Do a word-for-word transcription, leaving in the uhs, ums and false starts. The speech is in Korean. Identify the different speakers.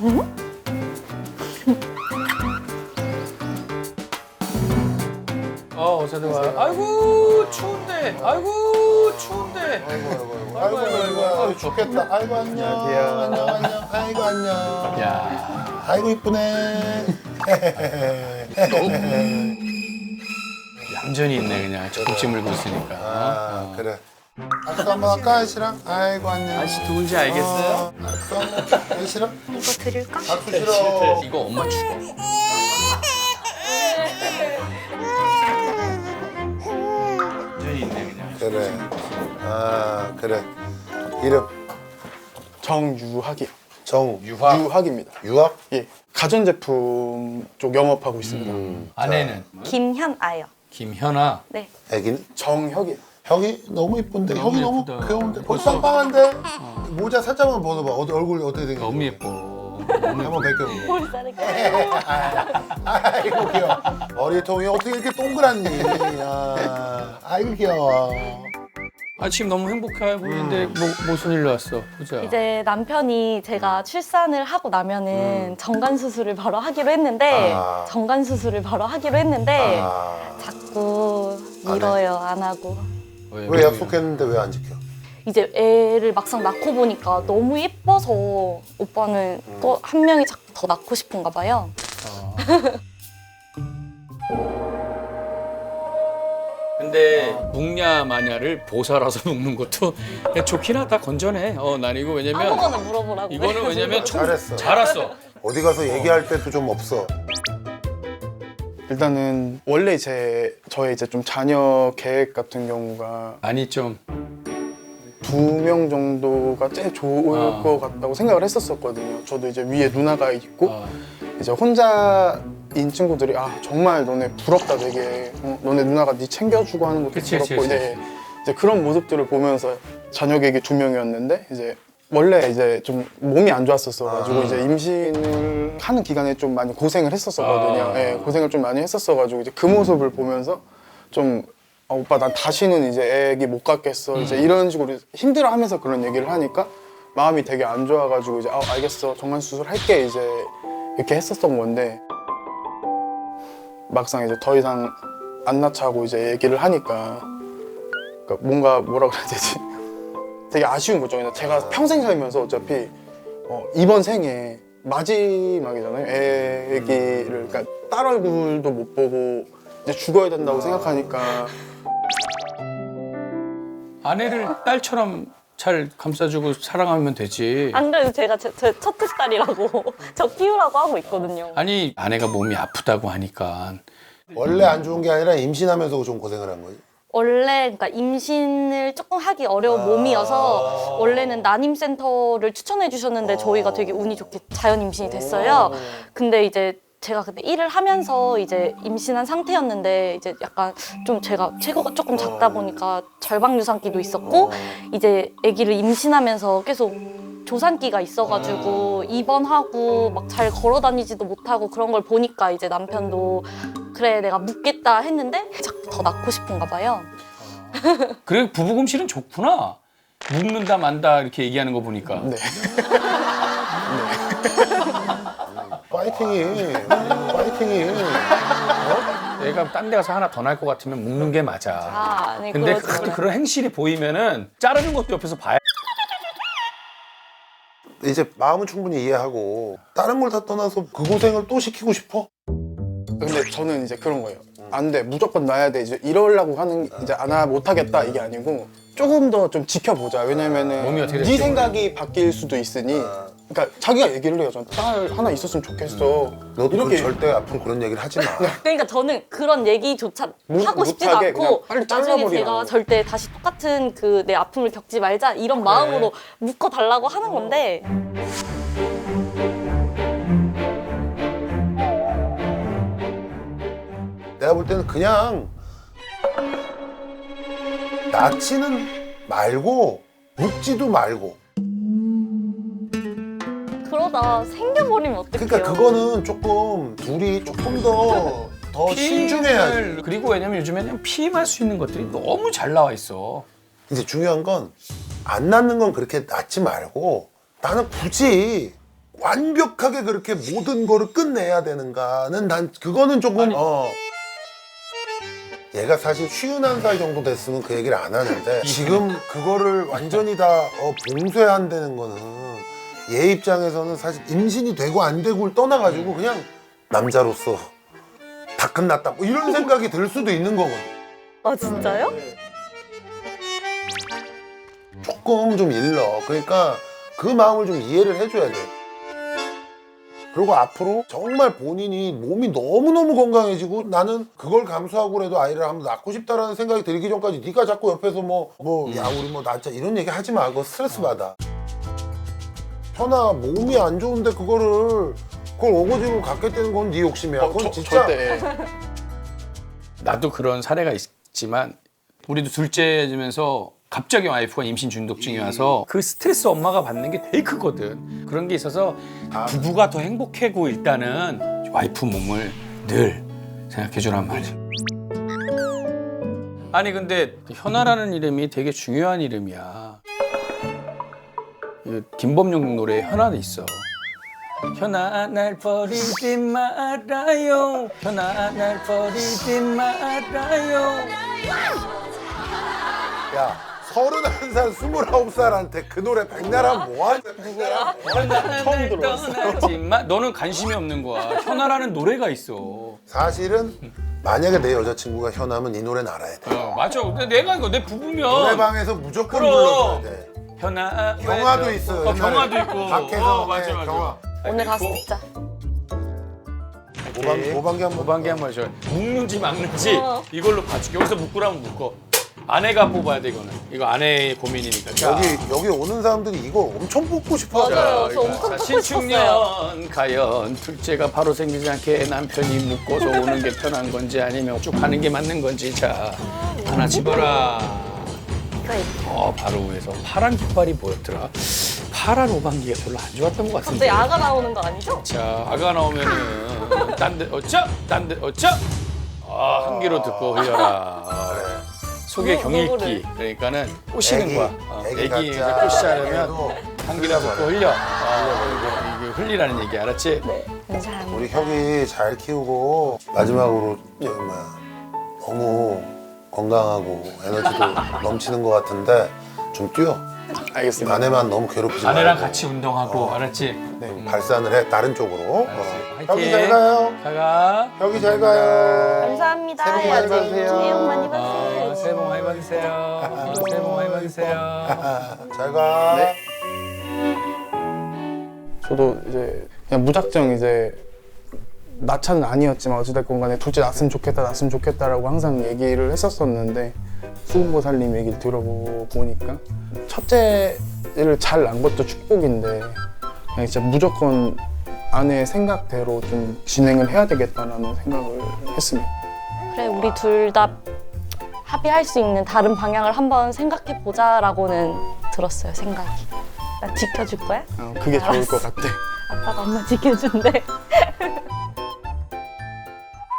Speaker 1: 어, 어서 들어와. 아이고, 추운데. 아이고, 추운데.
Speaker 2: 아이고 아이고 아이고 아이고 아이고 좋겠다. 아이고 안녕 안녕 안녕 아이고 안녕.
Speaker 1: 야.
Speaker 2: 아이고 이쁘네.
Speaker 1: 얌전히 있네, 그냥. 젖꼭지 물고 있으니까.
Speaker 2: 아 그래. 악수 한번 할까 아이씨랑? 아이고 안녕.
Speaker 1: 아저씨 누군지 알겠어요?
Speaker 2: 어, 악수 한번 아이씨랑?
Speaker 3: 이거 드릴까?
Speaker 2: 악수 싫어.
Speaker 1: 이거 엄마 죽어. 얌전히 있네, 그냥.
Speaker 2: 그래. 아 그래. 이름
Speaker 4: 정유학이요.
Speaker 2: 정
Speaker 1: 유학.
Speaker 4: 유학입니다.
Speaker 2: 유학?
Speaker 4: 예. 가전제품 쪽 영업하고 있습니다.
Speaker 1: 음. 아내는
Speaker 3: 김현아요.
Speaker 1: 김현아.
Speaker 3: 네.
Speaker 2: 애기는?
Speaker 4: 정혁이요.
Speaker 2: 형이 너무 이쁜데
Speaker 1: 너무
Speaker 2: 형이 너무
Speaker 1: 예쁘다.
Speaker 2: 귀여운데
Speaker 1: 벌써-
Speaker 2: 벌써 빵빵한데 모자 살짝만 벗어봐. 어디 얼굴 어떻게 생겼어?
Speaker 1: 너무 예뻐.
Speaker 2: 한번 벗겨보고.
Speaker 3: 볼 자를까?
Speaker 2: 아이고 귀여워. 머리통이 어떻게 이렇게 동그랗니? 아, 아이고 귀여워.
Speaker 1: 아, 지금 너무 행복해 보이는데 뭐, 무슨 일로 왔어? 보자.
Speaker 3: 이제 남편이 제가 출산을 하고 나면은 정관 수술을 바로 하기로 했는데
Speaker 2: 아.
Speaker 3: 정관 수술을 바로 하기로 했는데
Speaker 2: 아,
Speaker 3: 자꾸
Speaker 2: 안 해?
Speaker 3: 미뤄요. 안 하고.
Speaker 1: 왜,
Speaker 2: 왜 약속했는데 왜 안 지켜?
Speaker 3: 이제 애를 막상 낳고 보니까 너무 예뻐서 오빠는 또 한 명이 자꾸 더 낳고 싶은가 봐요.
Speaker 1: 어. 근데 묵냐 마냐를 보살아서 먹는 것도 좋긴 하다. 건전해. 어, 난 이거 왜냐면
Speaker 3: 아무거나 물어보라고.
Speaker 1: 이거는 왜냐면 총
Speaker 2: 잘했어.
Speaker 1: 잘 왔어.
Speaker 2: 어디 가서 얘기할 때도 좀 없어.
Speaker 4: 일단은 원래 제 저의 이제 좀 자녀 계획 같은 경우가
Speaker 1: 아니 좀
Speaker 4: 두 명 정도가 제일 좋을
Speaker 1: 아.
Speaker 4: 것 같다고 생각을 했었었거든요. 저도 이제 위에 누나가 있고
Speaker 1: 어,
Speaker 4: 이제 혼자인 친구들이 아 정말 너네 부럽다 되게 어, 너네 누나가 네 챙겨주고 하는 것도
Speaker 1: 그치,
Speaker 4: 부럽고
Speaker 1: 그치,
Speaker 4: 이제, 이제 그런 모습들을 보면서 자녀 계획이 두 명이었는데 이제 원래 이제 좀 몸이 안 좋았었어 가지고
Speaker 2: 아.
Speaker 4: 이제 임신을 하는 기간에 좀 많이 고생을 했었었거든요.
Speaker 1: 아.
Speaker 4: 예, 고생을 좀 많이 했었어 가지고 이제 그 모습을 보면서 좀 아, 오빠 난 다시는 이제 애기 못 갖겠어 이제 이런 식으로 힘들어하면서 그런 얘기를 하니까 마음이 되게 안 좋아가지고 이제 아 알겠어 정관 수술 할게 이제 이렇게 했었던 건데 막상 이제 더 이상 안 낳자고 이제 얘기를 하니까 그러니까 뭔가 뭐라 그래야 되지 되게 아쉬운 거죠. 그냥 제가 평생 살면서 어차피 어, 이번 생에 마지막이잖아요. 애기를 그러니까 딸 얼굴도 못 보고 이제 죽어야 된다고 생각하니까
Speaker 1: 아내를 딸처럼 잘 감싸주고 사랑하면 되지.
Speaker 3: 안 그래도 제가 제, 제 첫째 딸이라고 저 키우라고 하고 있거든요.
Speaker 1: 아니 아내가 몸이 아프다고 하니까
Speaker 2: 원래 안 좋은 게 아니라 임신하면서 좀 고생을 한 거지.
Speaker 3: 원래 그러니까 임신을 조금 하기 어려운
Speaker 2: 아.
Speaker 3: 몸이어서 원래는 난임센터를 추천해 주셨는데 저희가 되게 운이 좋게 자연 임신이 됐어요. 근데 이제 제가 그때 일을 하면서 이제 임신한 상태였는데 이제 약간 좀 제가 체구가 조금 작다 보니까 절박 유산기도 있었고 이제 아기를 임신하면서 계속 조산기가 있어가지고 입원하고 막 잘 걸어 다니지도 못하고 그런 걸 보니까 이제 남편도 그래 내가 묻겠다 했는데 자꾸 더 낳고 싶은가 봐요.
Speaker 1: 그래 부부금실은 좋구나. 묵는다 만다 이렇게 얘기하는 거 보니까.
Speaker 4: 네.
Speaker 2: 파이팅이, 파이팅이.
Speaker 1: 내가 딴 데 가서 하나 더 날 것 같으면 묵는 게 맞아.
Speaker 3: 아, 아니
Speaker 1: 근데
Speaker 3: 그러지
Speaker 1: 그,
Speaker 3: 않아요.
Speaker 1: 그런 행실이 보이면은 자르는 것도 옆에서 봐야.
Speaker 2: 이제 마음은 충분히 이해하고 다른 걸 다 떠나서 그 고생을 또 시키고 싶어?
Speaker 4: 근데 저는 이제 그런 거예요. 안 돼, 무조건 놔야 돼. 이제 이러려고 하는 이제 안 하, 못 하겠다 이게 아니고 조금 더 좀 지켜보자. 왜냐면은
Speaker 1: 몸이 어떻게
Speaker 4: 네
Speaker 1: 될지
Speaker 4: 생각이 바뀔 수도 있으니. 그러니까 자기가 얘기를 해요. 전 딸 하나 있었으면 좋겠어.
Speaker 2: 너도
Speaker 4: 이렇게
Speaker 2: 그 절대 아픈 그런 얘기를 하지 마.
Speaker 3: 그러니까 저는 그런 얘기조차
Speaker 4: 못-
Speaker 3: 하고 싶지도
Speaker 4: 못하게
Speaker 3: 않고
Speaker 4: 그냥 빨리
Speaker 3: 나중에
Speaker 4: 잘라버리라고.
Speaker 3: 제가 절대 다시 똑같은 그 내 아픔을 겪지 말자 이런 마음으로 묶어달라고 하는 건데
Speaker 2: 내가 볼 때는 그냥 낳지는 말고 묵지도 말고.
Speaker 3: 그러다 생겨버리면 어떡해요?
Speaker 2: 그러니까 그거는 조금 둘이 조금 더 더 신중해야지.
Speaker 1: 피임을- 그리고 왜냐면 요즘에는 피임할 수 있는 것들이 너무 잘 나와 있어.
Speaker 2: 이제 중요한 건 안 낳는 건 그렇게 낳지 말고 나는 굳이 완벽하게 그렇게 모든 거를 끝내야 되는가는 난 그거는 조금 어 얘가 사실 쉬운한 살 정도 됐으면 그 얘기를 안 하는데 지금 그거를 완전히 다 어, 봉쇄한다는 거는 얘 입장에서는 사실 임신이 되고 안 되고를 떠나가지고 그냥 남자로서 다 끝났다 뭐 이런 생각이 들 수도 있는 거거든.
Speaker 3: 아 진짜요?
Speaker 2: 조금 좀 일러. 그러니까 그 마음을 좀 이해를 해줘야 돼. 그리고 앞으로 정말 본인이 몸이 너무너무 건강해지고 나는 그걸 감수하고라도 아이를 한번 낳고 싶다라는 생각이 들기 전까지 네가 자꾸 옆에서 뭐 뭐 야 우리 뭐 낳자 이런 얘기 하지 마. 그거 스트레스 받아. 현아 몸이 안 좋은데 그거를 그걸 어거지로 갖게 되는 건 네 욕심이야.
Speaker 4: 어,
Speaker 2: 그건
Speaker 4: 저-
Speaker 2: 진짜
Speaker 4: 절대.
Speaker 1: 나도 그런 사례가 있지만 우리도 둘째지면서 갑자기 와이프가 임신 중독증이 와서 그 스트레스 엄마가 받는 게 되게 크거든. 그런 게 있어서 부부가 더 행복하고 일단은 와이프 몸을 늘 생각해 주란 말이야. 아니 근데 현아라는 이름이 되게 중요한 이름이야. 이 김범용 노래에 현아도 있어. 현아 날 버리지 말아요. 현아 날 버리지 말아요.
Speaker 2: 야 서른한 살 스물아홉 살한테 그 노래 백날 하면 뭐하냐. 누구야?
Speaker 1: 처음 들어봤어. 너는 관심이 없는 거야. 현아라는 노래가 있어.
Speaker 2: 사실은 만약에 내 여자친구가 현아면 이 노래는 알아야 돼.
Speaker 1: 어, 맞아. 근데 내가 이거 내 부부면
Speaker 2: 노래방에서 무조건
Speaker 1: 그럼.
Speaker 2: 불러줘야 돼.
Speaker 1: 현아
Speaker 2: 경화도 있어.
Speaker 1: 어, 경화도 있고.
Speaker 2: 밖에서
Speaker 1: 어, 맞아 맞아.
Speaker 2: 경화.
Speaker 3: 오늘 가서 듣자.
Speaker 2: 모방, 모방기 한번.
Speaker 1: 모방기 한번 해줘. 묶는지 막는지
Speaker 3: 어.
Speaker 1: 이걸로 봐줄게. 여기서 묶으라면 묶어. 아내가 뽑아야 돼 이거는. 이거 아내의 고민이니까. 자.
Speaker 2: 여기 여기 오는 사람들이 이거 엄청 뽑고 싶어.
Speaker 3: 맞아요.
Speaker 1: 자,
Speaker 3: 저 엄청
Speaker 1: 자,
Speaker 3: 뽑고
Speaker 1: 신축년 가연 둘째가 바로 생기지 않게 남편이 묶어서 오는 게 편한 건지 아니면 쭉 가는 게 맞는 건지 자 하나 집어라.
Speaker 3: 그래.
Speaker 1: 어 바로 위에서 파란 깃발이 뭐였더라? 파란 오방기가 별로 안 좋았던 것 같은데.
Speaker 3: 갑자기 아가 나오는 거 아니죠?
Speaker 1: 자 아가 나오면은 딴데 어쩌 딴데 어쩌 아 한 귀로 듣고 흘려라. 아, 속에
Speaker 3: 누-
Speaker 1: 경읽기
Speaker 3: 누구를?
Speaker 1: 그러니까 꼬시는
Speaker 2: 애기,
Speaker 1: 거야. 어,
Speaker 2: 애기
Speaker 1: 애기 이제
Speaker 2: 갖자.
Speaker 1: 꼬시자면
Speaker 2: 애기도
Speaker 1: 한 귀로 듣고 흘려. 아, 이거, 이거 흘리라는 얘기 알았지?
Speaker 3: 네. 감사합니다.
Speaker 2: 우리 혁이 잘 키우고 마지막으로 저 뭐야 너무 건강하고 에너지도 넘치는 것 같은데 좀 뛰어.
Speaker 4: 알겠습니다.
Speaker 2: 아내만 너무 괴롭히지
Speaker 1: 아내랑
Speaker 2: 말고.
Speaker 1: 같이 운동하고
Speaker 2: 어.
Speaker 1: 알았지?
Speaker 2: 좀 발산을 해 다른 쪽으로.
Speaker 1: 알았어.
Speaker 2: 어.
Speaker 1: 화이팅.
Speaker 2: 혁이 잘 가요.
Speaker 1: 가가.
Speaker 2: 혁이 잘 가요.
Speaker 3: 감사합니다.
Speaker 2: 새해 복 많이
Speaker 3: 해야지.
Speaker 2: 받으세요.
Speaker 3: 새해 복 많이
Speaker 1: 어,
Speaker 3: 받으세요.
Speaker 1: 새해 복 많이 받으세요. 새해 복 많이 받으세요.
Speaker 2: 잘 가.
Speaker 4: 네. 저도 이제 그냥 무작정 이제 낳자는 아니었지만 어찌됐건 간에 둘째 낳았으면 좋겠다 낳았으면 좋겠다라고 항상 얘기를 했었었는데 수금보살님 얘기를 들어보니까 첫째를 잘 낳은 것도 축복인데 그냥 진짜 무조건 아내의 생각대로 좀 진행을 해야 되겠다라는 생각을 했습니다.
Speaker 3: 그래 우리 둘 다 합의할 수 있는 다른 방향을 한번 생각해 보자라고는 들었어요. 생각이. 나 지켜줄 거야?
Speaker 4: 어, 그게 좋을 것 같아.
Speaker 3: 아빠가 엄마 지켜준대.